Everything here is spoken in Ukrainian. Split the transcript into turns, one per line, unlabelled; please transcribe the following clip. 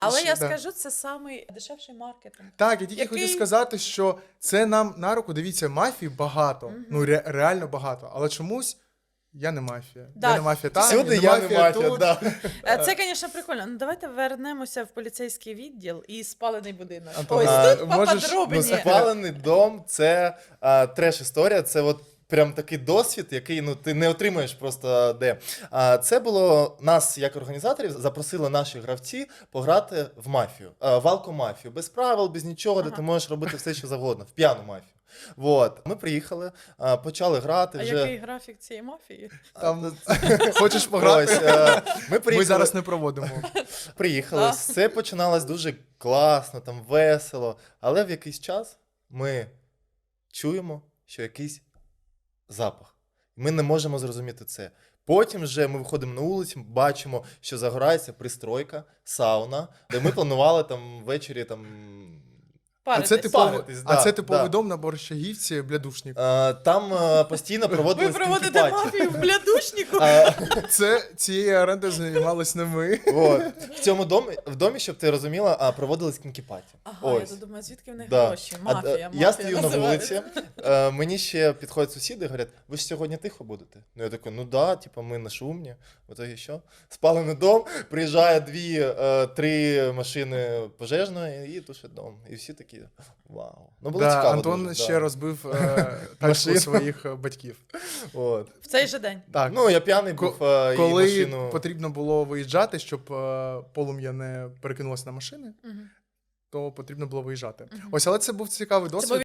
Але я
Да.
скажу, це самий дешевший маркетинг.
Так, я тільки
Який-
хотів сказати, що це нам на руку, дивіться, мафії багато, ну реально багато, але чомусь я не мафія.
Да.
Я не мафія там,
Всюди я не мафія,
тут.
да.
Це, звісно, прикольно. Ну, давайте вернемося в поліцейський відділ і спалений будинок.
Антон,
Ось тут
можеш,
поподробніше.
Спалений дом – це треш-історія, це от прям такий досвід, який ти не отримаєш просто де. Це було, нас, як організаторів, запросили наші гравці пограти в мафію, в алкомафію, без правил, без нічого, де ти можеш робити все, що завгодно, в п'яну мафію. Вот. Ми приїхали, почали грати
А
вже.
який графік цієї мафії?
Там, хочеш пограти?
Ось, ми приїхали.
Ми зараз не проводимо.
Приїхали,
Да.
все починалось дуже класно, там весело, але в якийсь час ми чуємо, що якийсь запах. Ми не можемо зрозуміти це. Потім вже ми виходимо на вулицю, бачимо, що загорається пристройка, сауна, де ми планували там ввечері там.
А це
Паритись.
Паритись, да,
типовий
да.
дом на Борщагівці, Блядушник.
Там постійно
Ви
проводились
проводите
кінкі-паті.
мафію в блядушнику?
Цією орендою займались не ми.
От. В цьому домі, щоб ти розуміла, проводились кінкі-паті.
Ага, я
Ось.
тут думаю, звідки в них
Да.
гроші? Мафія,
Я стою на
називається.
вулиці, мені ще підходять сусіди і говорять, ви ж сьогодні тихо будете? Ну я такий, ну да, типу, ми не шумні. В итоге що? Спалений дом, приїжджає 2-3 машини пожежної і тушить дом. І всі такі, вау. Ну було
Да,
цікаво
Антон
дуже,
ще
да.
розбив тачку
Машину.
своїх батьків.
От.
В цей же день.
Так,
Ну, я п'яний був, і
коли
машину...
потрібно було виїжджати, щоб полум'я не перекинулося на машини,
Мгм.
то потрібно було виїжджати. Ось, але це був цікавий досвід.
був